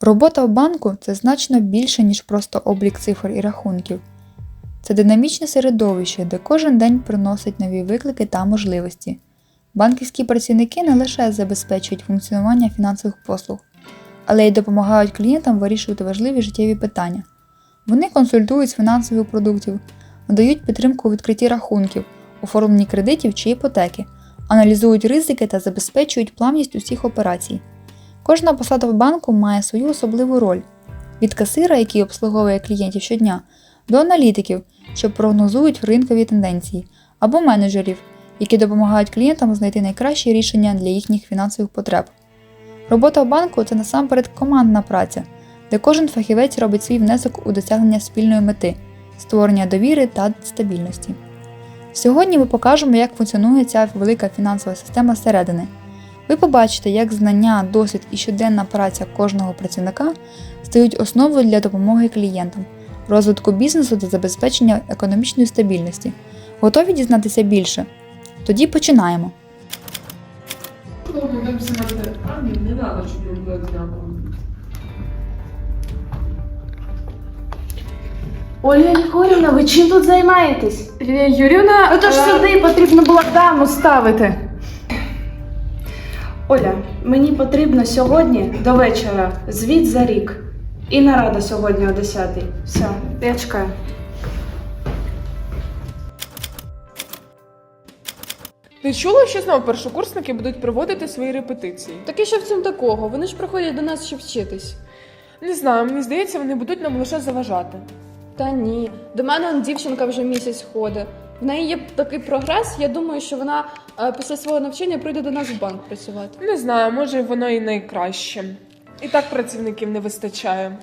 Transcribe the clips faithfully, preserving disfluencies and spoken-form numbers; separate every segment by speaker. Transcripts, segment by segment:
Speaker 1: Робота в банку – це значно більше, ніж просто облік цифр і рахунків. Це динамічне середовище, де кожен день приносить нові виклики та можливості. Банківські працівники не лише забезпечують функціонування фінансових послуг, але й допомагають клієнтам вирішувати важливі життєві питання. Вони консультують з фінансових продуктів, надають підтримку у відкритті рахунків, оформленні кредитів чи іпотеки, аналізують ризики та забезпечують плавність усіх операцій. Кожна посада в банку має свою особливу роль – від касира, який обслуговує клієнтів щодня, до аналітиків, що прогнозують ринкові тенденції, або менеджерів, які допомагають клієнтам знайти найкращі рішення для їхніх фінансових потреб. Робота в банку – це насамперед командна праця, де кожен фахівець робить свій внесок у досягнення спільної мети – створення довіри та стабільності. Сьогодні ми покажемо, як функціонує ця велика фінансова система зсередини. Ви побачите, як знання, досвід і щоденна праця кожного працівника стають основою для допомоги клієнтам, розвитку бізнесу та забезпечення економічної стабільності. Готові дізнатися більше? Тоді починаємо.
Speaker 2: Ольга Ігорівна, ви чим тут займаєтесь?
Speaker 3: Лілія Юрівна,
Speaker 2: Ну то ж
Speaker 3: е,
Speaker 2: сюди потрібно було даму ставити. Оля, мені потрібно сьогодні до вечора звіт за рік. І нарада сьогодні о десятій. Все, я чекаю.
Speaker 3: Ти чула, що знову першокурсники будуть проводити свої репетиції?
Speaker 4: Так і що в цьому такого? Вони ж приходять до нас, щоб вчитись.
Speaker 3: Не знаю, мені здається, вони будуть нам лише заважати.
Speaker 4: Та ні. До мене он дівчинка вже місяць ходить. В неї є такий прогрес, я думаю, що вона е, після свого навчання прийде до нас в банк працювати.
Speaker 3: Не знаю, може воно і найкраще. І так працівників не вистачає.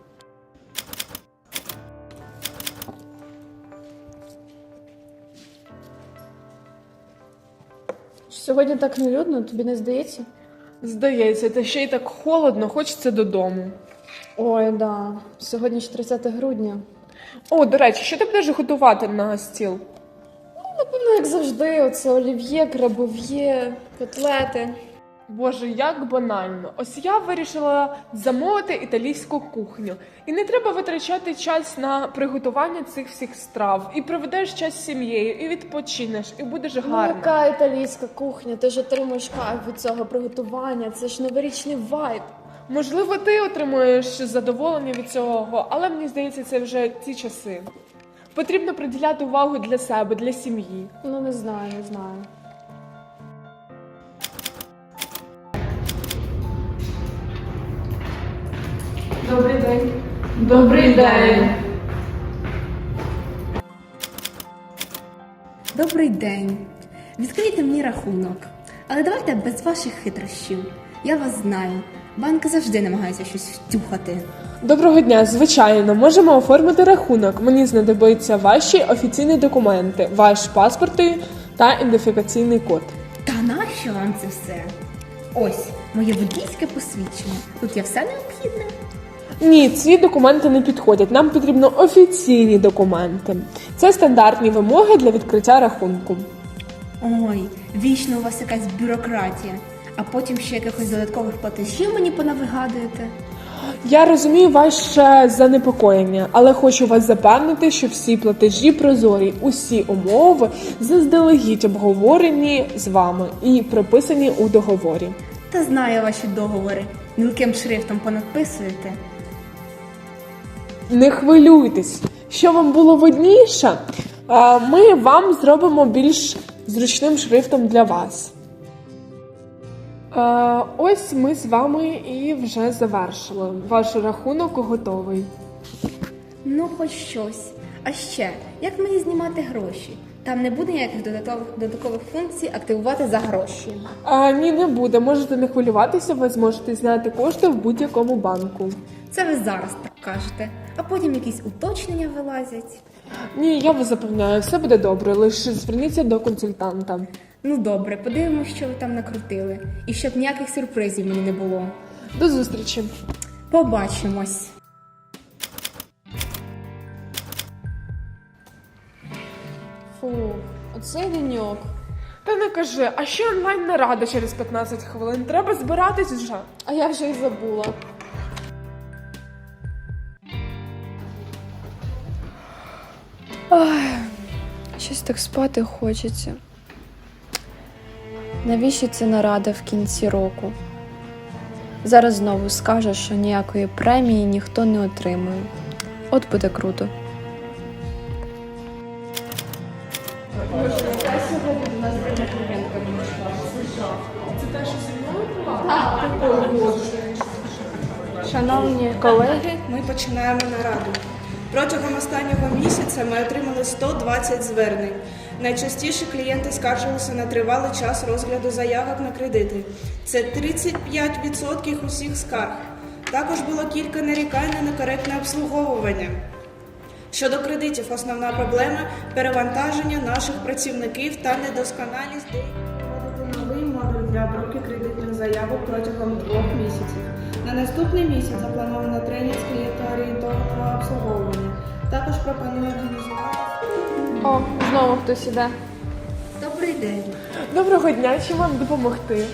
Speaker 4: Сьогодні так нелюдно, тобі не здається?
Speaker 3: Здається, та ще й так холодно, хочеться додому.
Speaker 4: Ой, да. Сьогодні ж тридцяте грудня.
Speaker 3: О, до речі, що ти будеш готувати на стіл?
Speaker 4: Напевно, як завжди, оце олів'є, крабов'є, котлети.
Speaker 3: Боже, як банально. Ось я вирішила замовити італійську кухню. І не треба витрачати час на приготування цих всіх страв. І проведеш час з сім'єю, і відпочинеш, і будеш
Speaker 4: Ну,
Speaker 3: гарно.
Speaker 4: яка італійська кухня? Ти ж отримуєш кайф від цього приготування, це ж новорічний вайб.
Speaker 3: Можливо, ти отримуєш задоволення від цього, але мені здається, це вже ті часи. Потрібно приділяти увагу для себе, для сім'ї.
Speaker 4: Ну, не знаю, не знаю.
Speaker 3: Добрий день.
Speaker 2: Добрий день.
Speaker 5: Добрий день. Відкрийте мені рахунок. Але давайте без ваших хитрощів. Я вас знаю. Банки завжди намагаються щось втюхати.
Speaker 3: Доброго дня, звичайно, можемо оформити рахунок. Мені знадобиться ваші офіційні документи, ваш паспорт та ідентифікаційний код.
Speaker 5: Та нащо вам це все? Ось, моє водійське посвідчення. Тут є все необхідне.
Speaker 3: Ні, ці документи не підходять. Нам потрібно офіційні документи. Це стандартні вимоги для відкриття рахунку.
Speaker 5: Ой, вічно у вас якась бюрократія. А потім ще якихось додаткових платежів мені понавигадуєте.
Speaker 3: Я розумію ваше занепокоєння, але хочу вас запевнити, що всі платежі прозорі, усі умови заздалегідь обговорені з вами і прописані у договорі.
Speaker 5: Та знаю ваші договори. Мілким шрифтом понадписуєте.
Speaker 3: Не хвилюйтесь, що вам було видніше, ми вам зробимо більш зручним шрифтом для вас. Ось ми з вами і вже завершили. Ваш рахунок готовий.
Speaker 5: Ну, хоч щось. А ще, як мені знімати гроші? Там не буде ніяких додаткових, додаткових функцій активувати за гроші.
Speaker 3: А, ні, не буде. Можете не хвилюватися, ви зможете зняти кошти в будь-якому банку.
Speaker 5: Це ви зараз так кажете, а потім якісь уточнення вилазять.
Speaker 3: Ні, я вас запевняю, все буде добре, лише зверніться до консультанта.
Speaker 5: Ну добре, подивимось, що ви там накрутили. І щоб ніяких сюрпризів мені не було.
Speaker 3: До зустрічі.
Speaker 5: Побачимось.
Speaker 4: Фу, оцей деньок.
Speaker 3: Та не кажи, а ще онлайн-нарада через п'ятнадцять хвилин. Треба збиратись вже.
Speaker 4: А я вже й забула. Ой, щось так спати хочеться. Навіщо це нарада в кінці року? Зараз знову скаже, що ніякої премії ніхто не отримує. От буде круто.
Speaker 2: Шановні колеги, ми починаємо нараду. Протягом останнього місяця ми отримали сто двадцять звернень. Найчастіше клієнти скаржилися на тривалий час розгляду заявок на кредити. Це тридцять п'ять відсотків усіх скарг. Також було кілька нарікань на некоректне обслуговування. Щодо кредитів, основна проблема – перевантаження наших працівників та недосконалість деяких новий модуль для обробки кредитних заявок протягом двох місяців. На наступний місяць заплановано тренінг з клієнтоорієнтованого обслуговування. Також пропоную організувати...
Speaker 4: О, знову хтось іде.
Speaker 5: Добрий день.
Speaker 3: Доброго дня, чим вам допомогти?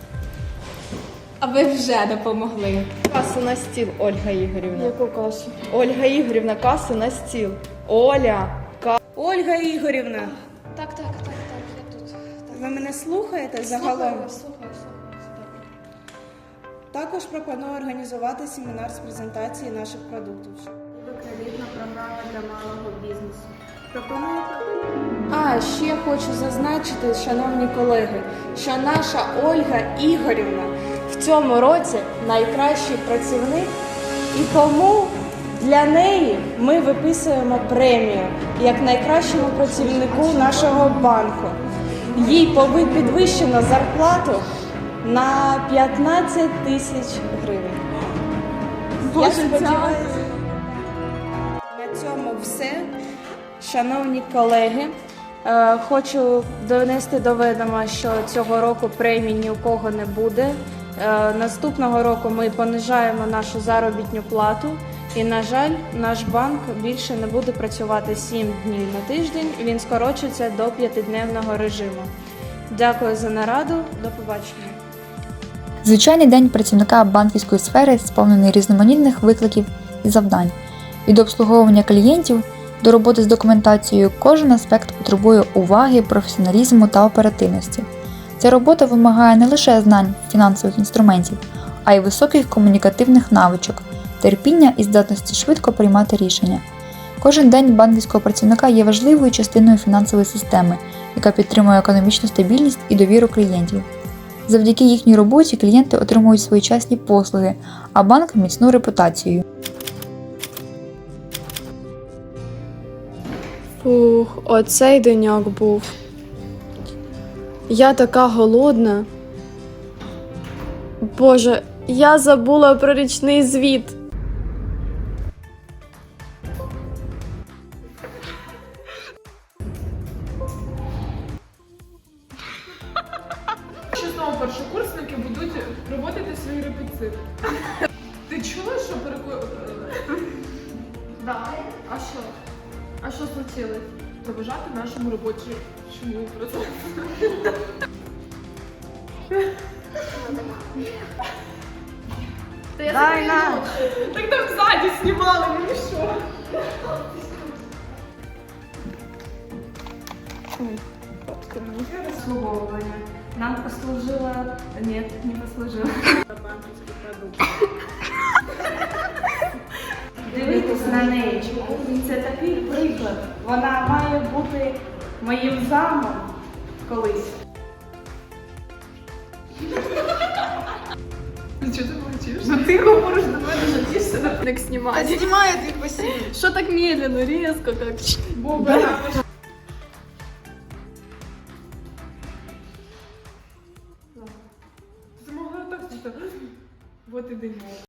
Speaker 5: А ви вже допомогли.
Speaker 4: Касу на стіл, Ольга Ігорівна. Яку касу? Ольга Ігорівна, касу на стіл. Оля, ка...
Speaker 2: Ольга Ігорівна,
Speaker 4: Так, так, так, так, я тут.
Speaker 2: ви мене слухаєте загалом?
Speaker 4: Слухаю, слухаю, слухаю.
Speaker 2: Також пропоную організувати семінар з презентації наших продуктів. Кредитна програма для малого бізнесу. Пропоную... А, ще хочу зазначити, шановні колеги, що наша Ольга Ігорівна в цьому році найкращий працівник, і тому для неї ми виписуємо премію як найкращому працівнику нашого банку. Їй пови- підвищено зарплату на п'ятнадцять тисяч гривень. Я сподіваюся, на цьому все. Шановні колеги, е, хочу донести до відома, що цього року премій ні у кого не буде. Е, Наступного року ми понижаємо нашу заробітну плату і, на жаль, наш банк більше не буде працювати сім днів на тиждень, він скорочується до п'ятидневного режиму. Дякую за нараду, до побачення.
Speaker 1: Звичайний день працівника банківської сфери сповнений різноманітних викликів і завдань. Від обслуговування клієнтів до роботи з документацією кожен аспект потребує уваги, професіоналізму та оперативності. Ця робота вимагає не лише знань фінансових інструментів, а й високих комунікативних навичок, терпіння і здатності швидко приймати рішення. Кожен день банківського працівника є важливою частиною фінансової системи, яка підтримує економічну стабільність і довіру клієнтів. Завдяки їхній роботі клієнти отримують своєчасні послуги, а банк – міцну репутацію.
Speaker 4: Фух, оцей деньок був. Я така голодна. Боже, я забула про річний звіт.
Speaker 3: Що знову першокурсники будуть проводити свій репетит. Ти чула, що переку...
Speaker 4: Так, а що? А що случилось?
Speaker 3: Проважати нашому робочому процесу.
Speaker 2: Дай на!
Speaker 3: Так там ззаді знімали, ну і що?
Speaker 2: Обслуговування. Нам послужило... Ні, не послужило. Банківський продукт. Дивитись на неї. Це такий приклад. Вона має бути моїм замом колись.
Speaker 3: Чого ти мовчиш?
Speaker 2: Ну ти говориш до мене, що ти все
Speaker 4: Так знімати.
Speaker 2: знімає твій посіб.
Speaker 4: Що так медленно, різко, як?
Speaker 3: Боба. Ти могла так, що... Вот і деньок.